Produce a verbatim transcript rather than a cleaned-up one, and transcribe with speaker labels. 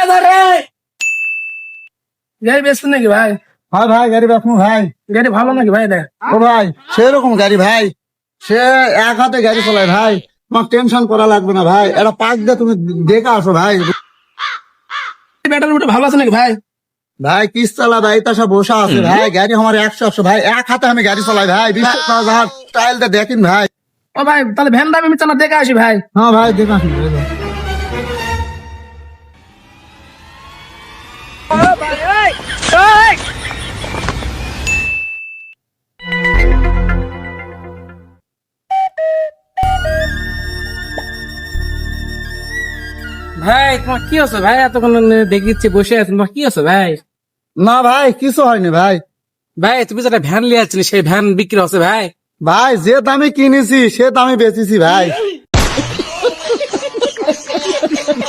Speaker 1: গাড়ি বেচছেন নাকি ভাই?
Speaker 2: হ্যাঁ ভাই গাড়ি বেচবো ভাই।
Speaker 1: গাড়ি ভালো নাকি ভাই? দেখ
Speaker 2: ও ভাই সেরকম গাড়ি ভাই, সে এক হাতে গাড়ি চালায় ভাই, তোমার টেনশন করা লাগবে না ভাই। এটা পাক দিয়ে তুমি দেখে আসো ভাই।
Speaker 1: ব্যাটারি উঠে ভালো আছে নাকি ভাই?
Speaker 2: ভাই কিস চালা ভাই তাসা বসা আছে ভাই, গাড়ি আমার একশো একশো ভাই, এক হাতে আমি গাড়ি চালাই ভাই। বিশ্বাস না যার স্টাইলটা দেখেন ভাই।
Speaker 1: ও ভাই তাহলে ভ্যান দাবি আমি চালা দেখে আসি ভাই।
Speaker 2: হ্যাঁ ভাই দেখে আসুন ভাই।
Speaker 1: ভাই তোমার কি আছে ভাই? এতক্ষণ দেখিচ্ছি বসে আছে, তোমার কি আছে ভাই?
Speaker 2: না ভাই কিছু হয়নি ভাই।
Speaker 1: ভাই তুমি যেটা ভ্যান লিয়ে আসছিলে সেই ভ্যান বিক্রি হচ্ছে ভাই?
Speaker 2: ভাই যে দামে কিনেছি সে দামে বেচেছি ভাই।